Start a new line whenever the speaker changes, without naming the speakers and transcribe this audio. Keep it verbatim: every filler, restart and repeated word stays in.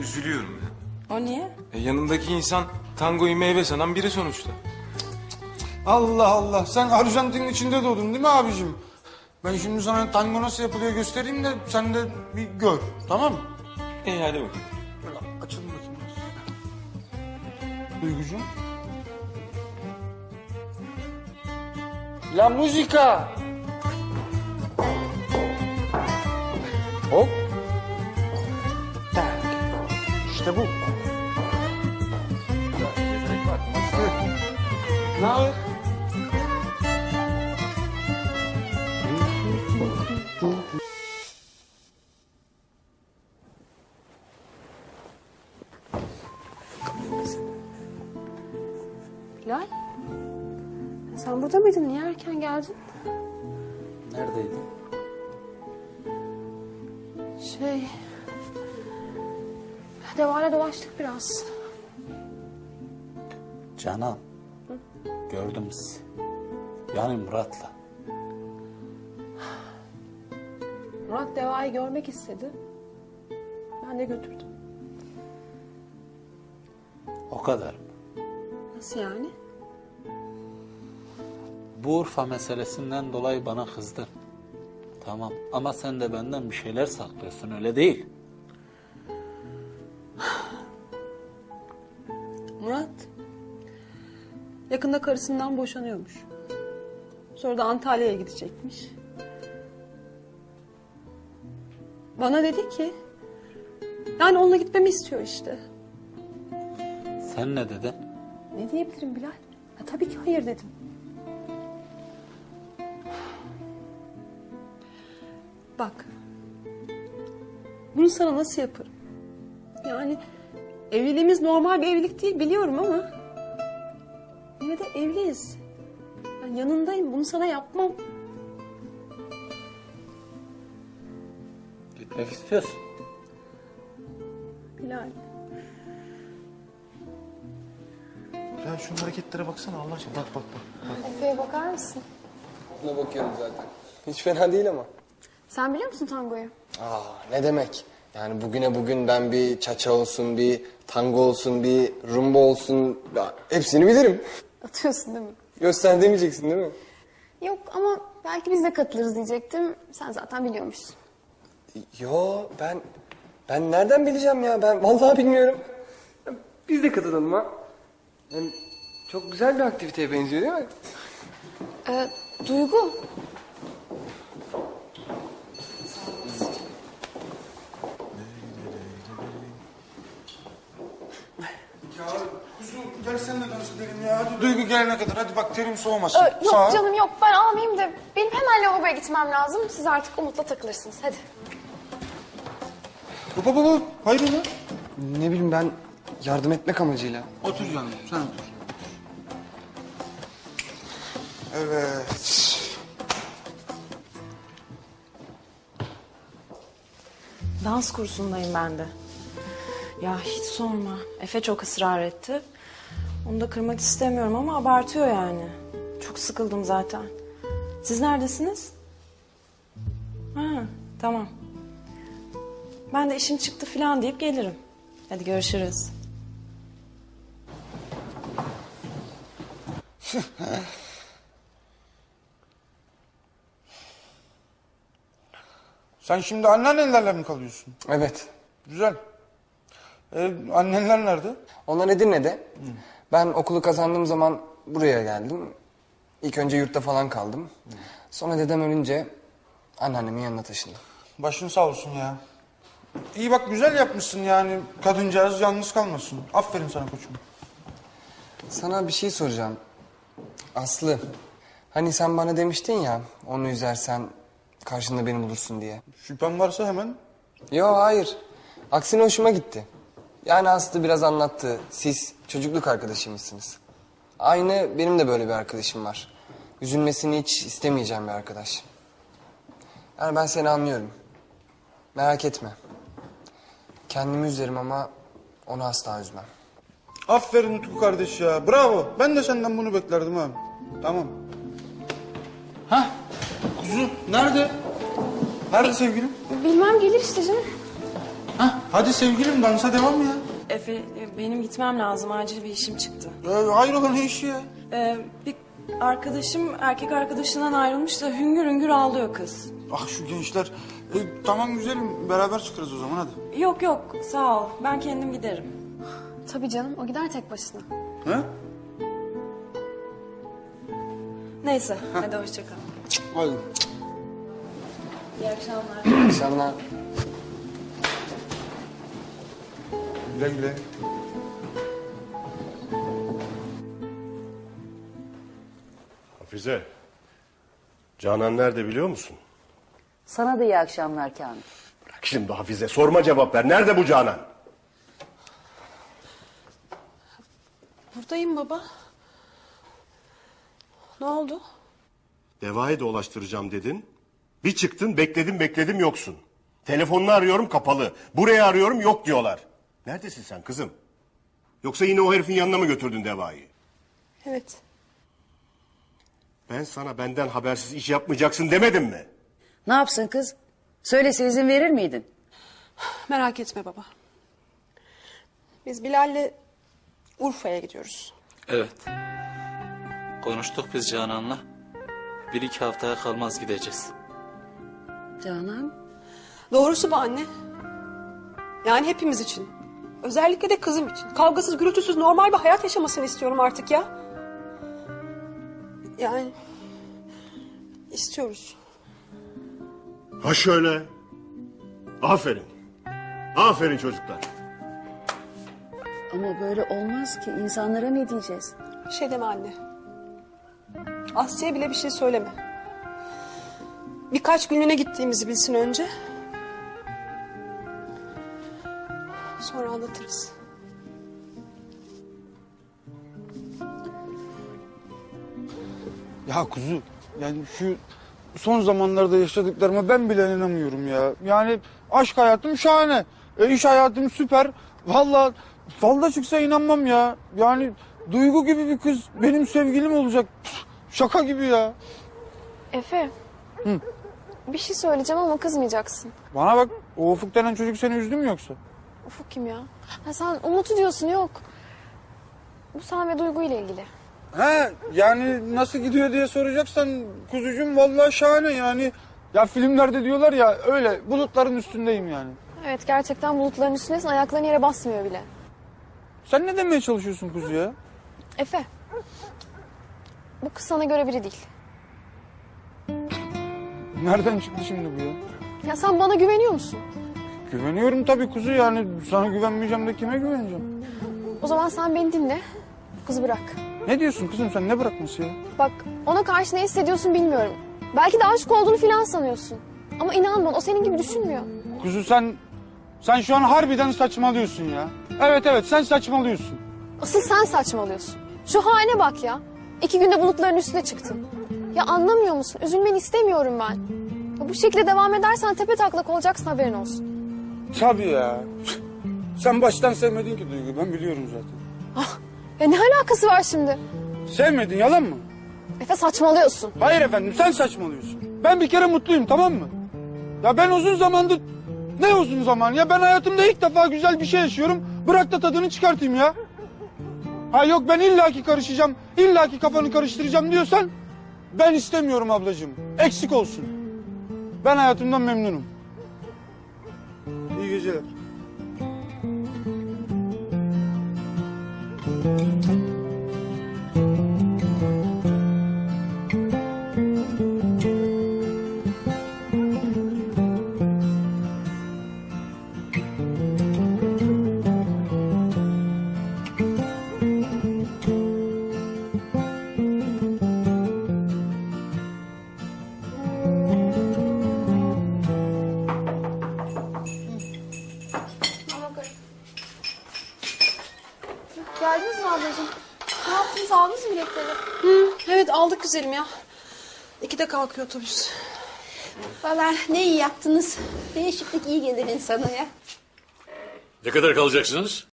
üzülüyorum ya.
O niye?
E, yanındaki insan tangoyu meyve sanan biri sonuçta.
Allah Allah, sen Arjantin'in içinde doğdun değil mi abicim? Ben şimdi sana tango nasıl yapılıyor göstereyim de sen de bir gör, tamam mı?
İyi hadi bakalım.
Böyle açalım bakayım biraz. Duygucuğum. La musica! Hop. Tak. İşte bu. Ne haber?
Bilal. Sen burada mıydın? Niye erken geldin?
Neredeydin?
Şey... Deva'yla dolaştık biraz.
Canan. Gördüm sizi. Yani Murat'la.
Murat Deva'yı görmek istedi. Ben de götürdüm.
O kadar.
Nasıl yani?
Bu Urfa meselesinden dolayı bana kızdın. Tamam ama sen de benden bir şeyler saklıyorsun, öyle değil.
Murat yakında karısından boşanıyormuş. Sonra da Antalya'ya gidecekmiş. Bana dedi ki... Yani onunla gitmemi istiyor işte.
Sen ne dedin?
Ne diyebilirim Bilal? Ya, tabii ki hayır dedim. Bak. Bunu sana nasıl yaparım? Yani evliliğimiz normal bir evlilik değil biliyorum ama... Yine de evliyiz. Ben yanındayım. Bunu sana yapmam.
Gitmek istiyorsun.
Bilal.
Ya şu hareketlere baksana Allah aşkına. Bak bak bak. bak.
Efe'ye bakar mısın?
Ona bakıyorum zaten. Hiç fena değil ama.
Sen biliyor musun tangoyu?
Aa, ne demek? Yani bugüne bugün ben bir çaça olsun, bir tango olsun, bir rumba olsun... Ya, hepsini bilirim.
Atıyorsun değil mi?
Göster demeyeceksin değil mi?
Yok ama belki biz de katılırız diyecektim. Sen zaten biliyormuşsun.
Yo, ben... Ben nereden bileceğim ya? Ben vallahi bilmiyorum. Biz de katılalım ha. Yani çok güzel bir aktiviteye benziyor değil mi?
Ee, Duygu.
Ya kuzum gel sen de dans edelim ya. Hadi Duygu gelene kadar hadi bak terim soğumasın.
Ee, yok
Sağ ol.
canım yok ben almayayım da benim hemen lavaboya gitmem lazım. Siz artık Umut'la takılırsınız hadi.
Baba baba hayrola?
Ne bileyim ben yardım etmek amacıyla.
Otur canım sen otur. Evet.
Dans kursundayım ben de. Ya hiç sorma. Efe çok ısrar etti. Onu da kırmak istemiyorum ama abartıyor yani. Çok sıkıldım zaten. Siz neredesiniz? Ha, tamam. Ben de işim çıktı falan deyip gelirim. Hadi görüşürüz.
Sen şimdi anneannenlerle mi kalıyorsun?
Evet.
Güzel. Ee, annenler nerede?
Onlar Edirne'de. Hı. Ben okulu kazandığım zaman buraya geldim. İlk önce yurtta falan kaldım. Hı. Sonra dedem ölünce anneannemin yanına taşındım.
Başın sağ olsun ya. İyi bak güzel yapmışsın yani. Kadıncağız yalnız kalmasın. Aferin sana koçum.
Sana bir şey soracağım. Aslı, hani sen bana demiştin ya onu üzersen karşında beni bulursun diye.
Şüphen varsa hemen.
Yo hayır. Aksine hoşuma gitti. Yani Aslı biraz anlattı. Siz çocukluk arkadaşıymışsınız. Aynı benim de böyle bir arkadaşım var. Üzülmesini hiç istemeyeceğim bir arkadaş. Yani ben seni anlıyorum. Merak etme. Kendimi üzerim ama onu asla üzmem.
Aferin Utku kardeş ya. Bravo. Ben de senden bunu beklerdim ha. Tamam. Hah. Kuzu nerede? Nerede sevgilim?
Bilmem gelir işte canım.
Hah, hadi sevgilim dansa devam ya.
Efe e, benim gitmem lazım. Acil bir işim çıktı.
Ee, hayrola ne işi ya?
Ee, bir arkadaşım erkek arkadaşından ayrılmış da hüngür hüngür ağlıyor kız.
Ah şu gençler. Ee, tamam güzelim beraber çıkarız o zaman hadi.
Yok yok sağ ol. Ben kendim giderim.
Tabii canım o gider tek başına.
He?
Neyse hadi hoşça kal.
Hadi.
İyi akşamlar.
İyi akşamlar.
Güle güle.
Hafize, Canan nerede biliyor musun?
Sana da iyi akşamlar Kamil.
Bırak şimdi Hafize, sorma cevap ver. Nerede bu Canan?
Buradayım baba. Ne oldu?
Deva'yı dolaştıracağım dedin. Bir çıktın, bekledim bekledim yoksun. Telefonunu arıyorum kapalı. Buraya arıyorum yok diyorlar. Neredesin sen kızım? Yoksa yine o herifin yanına mı götürdün Deva'yı?
Evet.
Ben sana benden habersiz iş yapmayacaksın demedim mi?
Ne yapsın kız? Söylese izin verir miydin?
Merak etme baba. Biz Bilal'le Urfa'ya gidiyoruz.
Evet. Konuştuk biz Canan'la. Bir iki haftaya kalmaz gideceğiz.
Canan.
Doğrusu bu anne. Yani hepimiz için. Özellikle de kızım için. Kavgasız, gürültüsüz, normal bir hayat yaşamasını istiyorum artık ya. Yani istiyoruz.
Ha şöyle. Aferin. Aferin çocuklar.
Ama böyle olmaz ki. İnsanlara ne diyeceğiz?
Bir şey deme anne. Asya'ya bile bir şey söyleme. Birkaç günlüğüne gittiğimizi bilsin önce. Sonra anlatırız.
Ya kuzu yani şu son zamanlarda yaşadıklarıma ben bile inanamıyorum ya. Yani aşk hayatım şahane. E, iş hayatım süper. Vallahi falda çıksa inanmam ya. Yani Duygu gibi bir kız benim sevgilim olacak. Püf, şaka gibi ya.
Efe.
Hı.
Bir şey söyleyeceğim ama kızmayacaksın.
Bana bak o Ufuk denen çocuk seni üzdü mü yoksa?
Ufuk kim ya? Ha, sen Umut'u diyorsun yok. Bu sen ve Duygu ile ilgili.
He yani nasıl gidiyor diye soracaksan kuzucuğum vallahi şahane yani. Ya filmlerde diyorlar ya öyle bulutların üstündeyim yani.
Evet gerçekten bulutların üstündesin ayakların yere basmıyor bile.
Sen ne demeye çalışıyorsun kuzu ya?
Efe. Bu kız sana göre biri değil.
Nereden çıktı şimdi bu ya?
Ya sen bana güveniyor musun?
Güveniyorum tabii kuzu yani sana güvenmeyeceğim de kime güveneceğim?
O zaman sen beni dinle. Bu kızı bırak.
Ne diyorsun kızım sen ne bırakması ya?
Bak ona karşı ne hissediyorsun bilmiyorum. Belki de aşık olduğunu filan sanıyorsun. Ama inan bana o senin gibi düşünmüyor.
Kuzu sen sen şu an harbiden saçmalıyorsun ya. Evet evet sen saçmalıyorsun.
Asıl sen saçmalıyorsun. Şu haline bak ya. İki günde bulutların üstüne çıktın. Ya anlamıyor musun? Üzülmeni istemiyorum ben. Ya bu şekilde devam edersen tepe taklak olacaksın haberin olsun.
Tabii ya. Sen baştan sevmedin ki Duygu ben biliyorum zaten.
Ah, ya ne alakası var şimdi?
Sevmedin yalan mı?
Efe saçmalıyorsun.
Hayır efendim sen saçmalıyorsun. Ben bir kere mutluyum tamam mı? Ya ben uzun zamandır... Ne uzun zaman ya ben hayatımda ilk defa güzel bir şey yaşıyorum. Bırak da tadını çıkartayım ya. Ha yok ben illaki karışacağım, illaki kafanı karıştıracağım diyorsan... Ben istemiyorum ablacığım. Eksik olsun. Ben hayatımdan memnunum. İyi geceler.
Geldiniz mi ablacığım? Ne yaptınız aldınız mı biletleri?
Hı, evet aldık güzelim ya. İkide kalkıyor otobüs.
Valla ne iyi yaptınız. Değişiklik iyi gelir insana ya.
Ne kadar kalacaksınız?